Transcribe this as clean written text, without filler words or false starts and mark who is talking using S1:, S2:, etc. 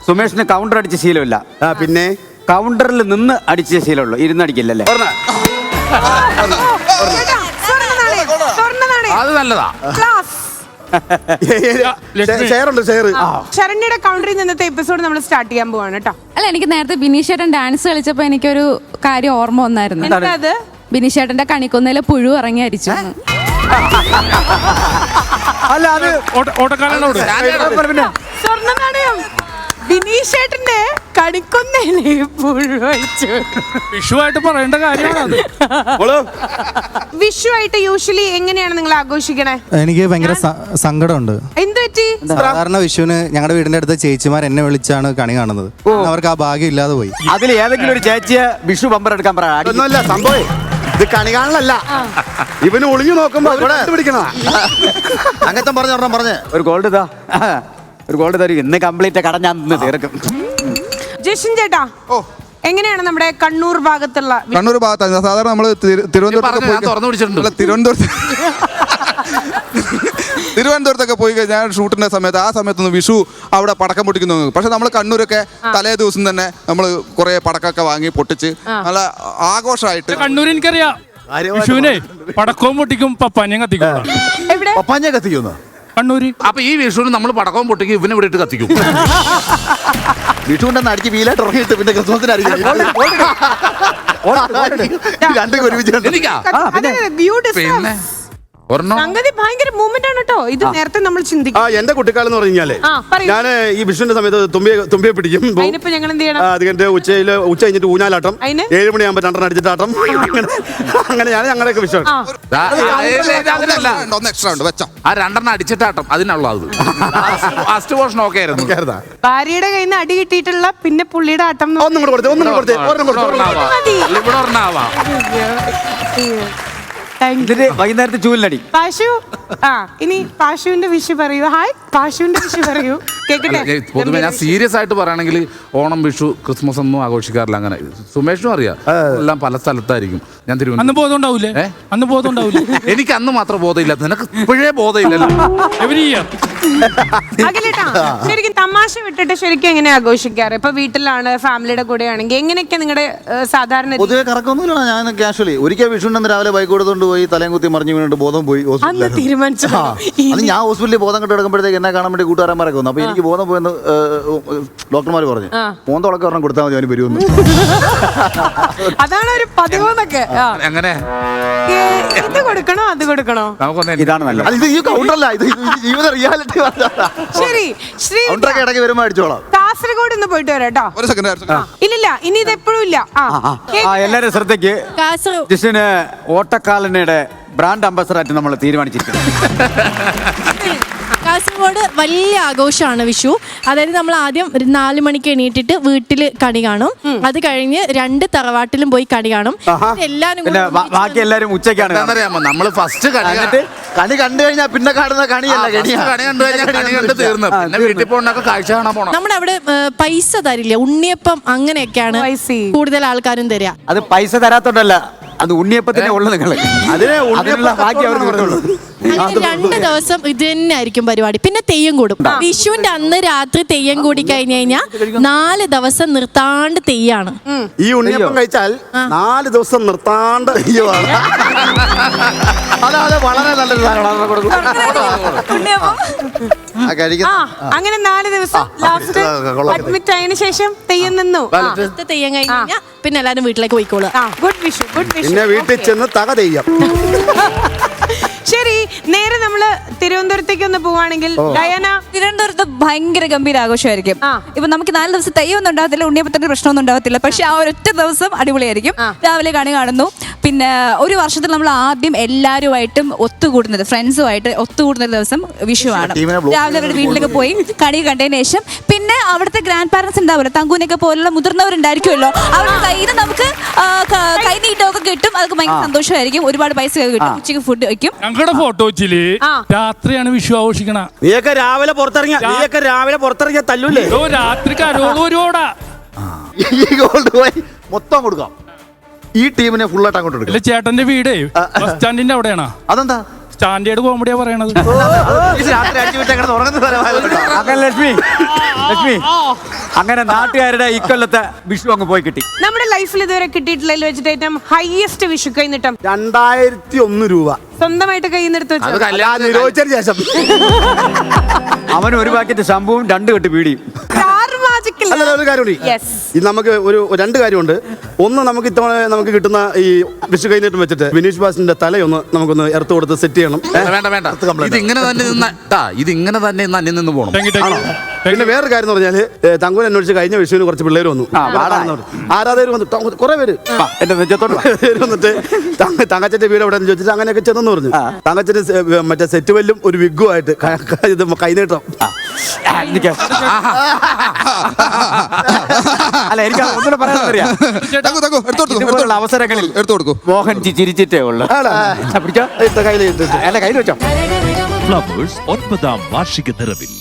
S1: സുമേഷിന് counter അടിച്ച ശീലമില്ല.
S2: പിന്നെ
S1: കൗണ്ടറിൽ നിന്ന് അടിച്ച ശീലമുള്ളൂ, ഇരുന്നടിക്കില്ലല്ലേ?
S3: അത് നല്ലതാ.
S4: ശരണ്യയുടെ കൗണ്ടറിൽ നിന്നത്തെ എപ്പിസോഡ് നമ്മൾ സ്റ്റാർട്ട് ചെയ്യാൻ പോവാണ് കേട്ടോ.
S5: അല്ല, എനിക്ക് നേരത്തെ ബിനീഷേട്ടൻ ഡാൻസ് കളിച്ചപ്പോ എനിക്കൊരു കാര്യം ഓർമ്മ വന്നായിരുന്നു.
S4: അത്
S5: ബിനീഷേട്ടന്റെ കണിക്കൊന്നയിലെ പുഴു ഇറങ്ങി അരിച്ചു.
S1: അല്ല, അത്
S4: സ്വർണ്ണ നാണയം ബിനീഷേട്ടന്റെ കണിക്കൊന്നയിലെ പുഴു അരിച്ചു.
S6: വിഷുവായിട്ട് പറയേണ്ട കാര്യമാണ്.
S4: വിഷുവായിട്ട് യൂഷ്വലി എങ്ങനെയാണ് നിങ്ങൾ ആഘോഷിക്കണേ?
S7: എനിക്ക് ഭയങ്കര സങ്കടമുണ്ട്.
S4: എന്ത് പറ്റി?
S7: സാധാരണ വിഷുവിന് ഞങ്ങളുടെ വീടിന്റെ അടുത്ത ചേച്ചിമാർ എന്നെ വിളിച്ചാണ് കണി കാണുന്നത്. അവർക്ക് ആ ഭാഗ്യം ഇല്ലാതെ പോയി.
S1: അതിൽ ഏതെങ്കിലും ഒരു ചേച്ചിയെ വിഷു ബമ്പർ എടുക്കാൻ
S2: ഒന്നുമല്ല സംഭവം. ഇത് കണി കാണലല്ല, ഇവന് ഒളിഞ്ഞു നോക്കുമ്പോ പിടിക്കണ അങ്ങനത്തെ പറഞ്ഞ
S1: ഒരു ഗോൾഡ് ഇതാ, ഒരു ഗോൾഡ് തരും. ഇന്ന് കംപ്ലീറ്റ് കട ഞാൻ തീർക്കും.
S4: ജഷൻ ചേട്ടാ, എങ്ങനെയാണ് നമ്മുടെ കണ്ണൂർ ഭാഗത്തുള്ള?
S8: കണ്ണൂർ ഭാഗത്താണ് സാധാരണ നമ്മള് തിരുവനന്തപുരത്തൊക്കെ പോയി കഴിഞ്ഞാൽ ഷൂട്ടിന്റെ സമയത്ത് ആ സമയത്തൊന്ന് വിഷു അവിടെ പടക്കം പൊട്ടിക്കുന്നു. പക്ഷെ നമ്മൾ കണ്ണൂരൊക്കെ തലേ ദിവസം തന്നെ നമ്മൾ കുറെ പടക്കമൊക്കെ വാങ്ങി പൊട്ടിച്ച് നല്ല ആഘോഷമായിട്ട്.
S6: കണ്ണൂർ എനിക്കറിയാം, വിഷുവിനെ പടക്കവും പൊട്ടിക്കും, പപ്പാഞ്ഞം കത്തിക്കും.
S2: കത്തിക്കുന്നു
S6: കണ്ണൂര്.
S3: അപ്പൊ ഈ വിഷുവിന് നമ്മൾ പടക്കവും പൊട്ടിക്കും, ഇവനെ ഇവിടെ ഇട്ട് കത്തിക്കും.
S2: വിഷുവിന്റെ അടിക്ക് വീലായിട്ട് ഉറങ്ങിയിട്ട് പിന്നെ
S3: പിന്നെ
S4: സംഗതി ഭയങ്കര മൂവ്മെന്റ് ആണ് കേട്ടോ. ഇത് നേരത്തെ നമ്മൾ ചിന്തിക്കും.
S2: എന്റെ കുട്ടിക്കാലം എന്ന് പറഞ്ഞു കഴിഞ്ഞാല് ഞാൻ ഈ വിഷുവിന്റെ സമയത്ത് തുമ്പിയെ പിടിക്കും.
S4: ഞങ്ങൾ എന്ത് ചെയ്യണം?
S2: അത് കഴിഞ്ഞിട്ട് ഉച്ച കഴിഞ്ഞിട്ട് ഊഞ്ഞാലാട്ടം, 7 മണിയാകുമ്പോ 2 അടിച്ചിട്ടാട്ടം. അങ്ങനെയാണ് ഞങ്ങളൊക്കെ വിഷു.
S8: ഒന്ന് എക്സ്ട്രാ ഉണ്ട് വെച്ചോ.
S3: ആ 2 അടിച്ചിട്ടാട്ടം അതിനുള്ളത്. ഫസ്റ്റ് പോർഷൻ ഓക്കെ ആയിരുന്നു.
S4: ഭാര്യയുടെ കയ്യിൽ നിന്ന് അടി കിട്ടിയിട്ടുള്ള പിന്നെ പുള്ളിയുടെ ആട്ടം.
S2: ഒന്നും കൂടെ കൊടുത്തേ.
S3: ഇവിടെ ഒരെണ്ണാവാ.
S1: വൈകുന്നേരത്തെ ചൂലിനടി.
S4: പാശു, ഇനി പാശുവിന്റെ വിഷു പറയൂ. ഹായ്, പാശുവിന്റെ വിഷു പറയൂ, കേക്കട്ടെ.
S3: പൊതുവെ ഞാൻ സീരിയസ് ആയിട്ട് പറയുകയാണെങ്കിൽ ഓണം, വിഷു, ക്രിസ്മസ് ഒന്നും ആഘോഷിക്കാറില്ല. അങ്ങനെ സുമേഷിനും അറിയാം, എല്ലാം പല സ്ഥലത്തായിരിക്കും. ഞാൻ
S6: അന്ന് ബോധമുണ്ടാവൂലേ? അന്ന് ബോധമുണ്ടാവൂലേ?
S3: എനിക്ക് അന്ന് മാത്രം ബോധമില്ല, നിനക്ക് ഇപ്പോഴേ ബോധമില്ലല്ലോ.
S4: അഖിലേട്ടാ, ശരിക്കും തമാശ വിട്ടിട്ട് ശരിക്കും എങ്ങനെ ആഘോഷിക്കാറ്? ഇപ്പൊ വീട്ടിലാണ്, ഫാമിലിയുടെ കൂടെ ആണെങ്കിൽ എങ്ങനെയൊക്കെ നിങ്ങളുടെ സാധാരണ?
S2: പൊതുവെ കറക്കൊന്നുമില്ല. ഞാൻ കാഷ്വലി ഒരിക്കൽ വിഷുണ്ടെന്ന് രാവിലെ ബൈക്ക് കൊടുത്തോണ്ട് പോയി തലയും കുത്തി മറിഞ്ഞു വീണിട്ട് ബോധം പോയി.
S4: തീരുമാനിച്ചു.
S2: അത് ഞാൻ ഹോസ്പിറ്റലിൽ ബോധം കെട്ട് കിടക്കുമ്പോഴത്തേക്ക് എന്നെ കാണാൻ വേണ്ടി കൂട്ടുകാരന്മാരൊക്കെ വന്നു. അപ്പൊ എനിക്ക് ബോധം പോയെന്ന് ഡോക്ടർമാർ പറഞ്ഞു. മോന്തളൊക്കെ ഒരെണ്ണം കൊടുത്താൽ മതി, അവന് വരുമെന്ന്.
S4: അതാണ് ഒരു പതിവെന്നൊക്കെ.
S3: അങ്ങനെ
S4: ഇത് കൊടുക്കണോ അത് കൊടുക്കണോ?
S1: ഇതാണ് നല്ലത്.
S2: ഇത് ഈ കൗണ്ടറല്ല, ഇത് ജീവിത റിയാലിറ്റി.
S4: ശരി, ശ്രീ
S2: ഇടയ്ക്ക് വരുമ്പോ അടിച്ചോളാം.
S4: കാസർഗോഡ് ഒന്ന് പോയിട്ട് വരാം കേട്ടോ.
S8: ഒരു സെക്കൻഡ്.
S4: ഇല്ലില്ല, ഇനി ഇത് എപ്പോഴും ഇല്ല.
S1: എല്ലാരും ശ്രദ്ധയ്ക്ക്, ജിഷിന് ഓട്ടക്കാലനയുടെ ബ്രാൻഡ് അംബാസഡറായിട്ട് നമ്മൾ തീരുമാനിച്ചിരിക്കുന്നു.
S9: കാസർഗോഡ് വലിയ ആഘോഷമാണ് വിഷു. അതായത് നമ്മൾ ആദ്യം 4 മണിക്ക് എണീറ്റിട്ട് വീട്ടിൽ കണി കാണും. അത് കഴിഞ്ഞ് 2 തറവാട്ടിലും പോയി കണി കാണും. എല്ലാരും
S1: ബാക്കി എല്ലാരും ഉച്ചയ്ക്കാണ്.
S3: നമ്മള് ഫസ്റ്റ്
S2: കണി കണ്ടു കഴിഞ്ഞാൽ പിന്നെ കാണുന്ന കണിയല്ല,
S3: കണി കണ്ട് തീർന്നു. പിന്നെ വീട്ടിൽ പോകണൊക്കെ കാഴ്ച കാണാൻ പോണം.
S9: നമ്മുടെ അവിടെ പൈസ തരില്ല, ഉണ്ണിയപ്പം അങ്ങനെയൊക്കെയാണ് കൂടുതൽ ആൾക്കാരും തരിക.
S1: അത് പൈസ തരാത്തോണ്ടല്ല, അത് ഉണ്ണിയപ്പത്തിനെ ഉള്ളു. നിങ്ങൾ അതിനുള്ള ബാക്കി അവർക്ക് കൊടുത്തുള്ളൂ.
S9: 2 ദിവസം ഇത് തന്നെ ആയിരിക്കും പരിപാടി. പിന്നെ തെയ്യം കൂടും. വിഷുവിന്റെ അന്ന് രാത്രി തെയ്യം കൂടി കഴിഞ്ഞു കഴിഞ്ഞാൽ 4 ദിവസം നിർത്താണ്ട് തെയ്യാണ്.
S2: ഈ ഉണ്ണിയപ്പം കഴിച്ചാൽ 4 ദിവസം നിർത്താണ്ട് തെയ്യമാണ്. അതെ, വളരെ നല്ലൊരു
S4: അങ്ങനെ 4 ദിവസം ലാസ്റ്റ് അഡ്മിറ്റ് ആയതിനു ശേഷം തെയ്യം നിന്നു.
S9: തെയ്യം കഴിഞ്ഞ് കഴിഞ്ഞാൽ പിന്നെ എല്ലാരും വീട്ടിലേക്ക് പോയിക്കോളും.
S4: Good Vishu, good Vishu.
S2: പിന്നെ വീട്ടിൽ ചെന്ന് തക തെയ്യം.
S4: ശരി, നേരെ നമ്മള് തിരുവനന്തപുരത്തേക്ക് ഒന്ന് പോവാണെങ്കിൽ ഡയാന.
S5: തിരുവനന്തപുരത്ത് ഭയങ്കര ഗംഭീര ആഘോഷമായിരിക്കും. ഇപ്പൊ നമുക്ക് 4 ദിവസം തെയ്യൊന്നും ഉണ്ടാകത്തില്ല, ഉണ്ണിയപ്പത്തിന്റെ പ്രശ്നമൊന്നും ഉണ്ടാകത്തില്ല. പക്ഷെ ആ ഒരൊറ്റ ദിവസം അടിപൊളിയായിരിക്കും. രാവിലെ കണി കാണുന്നു. പിന്നെ ഒരു വർഷത്തിൽ നമ്മൾ ആദ്യം എല്ലാവരുമായിട്ടും ഒത്തുകൂടുന്നത്, ഫ്രണ്ട്സുമായിട്ട് ഒത്തുകൂടുന്ന ദിവസം വിഷുവാണ്. രാവിലെ അവരുടെ വീട്ടിലേക്ക് പോയി കണി കണ്ടതിന് ശേഷം പിന്നെ അവിടുത്തെ ഗ്രാൻഡ് പാരന്റ്സ് ഉണ്ടാവുമല്ലോ, തങ്കൂനൊക്കെ പോലുള്ള മുതിർന്നവരുണ്ടായിരിക്കുമല്ലോ, അവരുടെ കയ്യിൽ നിന്ന് നമുക്ക് കൈനീട്ടമൊക്കെ കിട്ടും. അതൊക്കെ ഭയങ്കര സന്തോഷമായിരിക്കും. ഒരുപാട് പൈസ കിട്ടും. ഉച്ചയ്ക്ക് ഫുഡ് വയ്ക്കും.
S6: ഞങ്ങളുടെ ഫോട്ടോ വെച്ചില് രാത്രിയാണ് വിഷു ആഘോഷിക്കണ.
S2: നീയൊക്കെ രാവിലെ പുറത്തിറങ്ങിയ തല്ലൂല്ലേ?
S6: രാത്രി കരോടാ
S2: മൊത്തം കൊടുക്കാം. ഈ ടീമിനെ ഫുള്ളായിട്ട് അങ്ങോട്ട് എടുക്കാം.
S6: ചേട്ടന്റെ വീട് ബസ് സ്റ്റാൻഡിന്റെ അവിടെയാണോ?
S2: അതെന്താ?
S6: സ്റ്റാൻഡേർഡ് കോമഡിയാ പറയണത്.
S2: രാത്രി അടിച്ചു വിട്ട് അങ്ങനെ ഉറങ്ങുന്ന സ്ഥലമായതുകൊണ്ടാ.
S1: അങ്ങനെ ലക്ഷ്മി അങ്ങനെ നാട്ടുകാരുടെ ഇക്കൊല്ലത്തെ വിഷു അങ്ങ് പോയി കിട്ടി.
S4: നമ്മുടെ ലൈഫിൽ ഇതുവരെ കിട്ടിയിട്ടുള്ളതിൽ വെച്ചിട്ട് ഏറ്റവും ഹയസ്റ്റ് വിഷു കൈനീട്ടം
S10: 2001 രൂപ
S4: സ്വന്തമായിട്ട് കൈന്നെടുത്ത്
S3: അത്
S4: വെച്ചു.
S3: കല്യാണം
S10: നിരോധിച്ചതിന് ശേഷം.
S1: അവന് ഒരു പാക്കറ്റ് ശമ്പുവും 2 കെട്ട് ബീഡിയും.
S10: അല്ല ഒരു കാര്യമുണ്ട്.
S4: Yes.
S10: ഇത് നമുക്ക് ഒരു 2 കാര്യമുണ്ട്. ഒന്ന്, നമുക്ക് ഇത്തവണ നമുക്ക് കിട്ടുന്ന ഈ വിഷു കൈനീട്ടം വെച്ചിട്ട് ബിനീഷ് ബാസിന്റെ തലയൊന്ന് നമുക്കൊന്ന് എർത്ത് കൊടുത്ത് സെറ്റ് ചെയ്യണം.
S3: വേണ്ട ഇത് ഇങ്ങനെ തന്നെ ഇതിങ്ങനെ തന്നെ അന്യം നിന്ന് പോകണം.
S10: പിന്നെ വേറൊരു കാര്യം എന്ന് പറഞ്ഞാല് തങ്കൂൻ അന്വേഷിച്ച് കഴിഞ്ഞ വിഷുവിന് കുറച്ച് പിള്ളേർ വന്നു, ആരാധകർ വന്നു, കുറെ പേര്
S1: എന്റെ നെഞ്ചത്തോട്ട്
S10: വന്നിട്ട് തങ്കച്ചന്റെ വീട് എവിടെ ചോദിച്ചിട്ട് അങ്ങനെയൊക്കെ ചെന്നെന്ന് പറഞ്ഞു. തങ്കച്ചന് മറ്റേ സെറ്റ് വല്ലും ഒരു വിഗുമായിട്ട് ഇത് കൈനീട്ടം.
S1: അല്ല എനിക്ക് ഒന്നുകൂടെ പറയാനറിയാം. ഇതുപോലുള്ള അവസരങ്ങളിൽ
S8: എടുത്തു കൊടുക്കൂ.
S1: മോഹൻ ചിരിച്ചിട്ടേ ഉള്ളു. പിടിച്ചോ,
S10: കയ്യിൽ
S1: അല്ല കയ്യിൽ വെച്ചോ.
S11: ഫ്ലവേഴ്സ് 9ാം വാർഷിക നിറവിൽ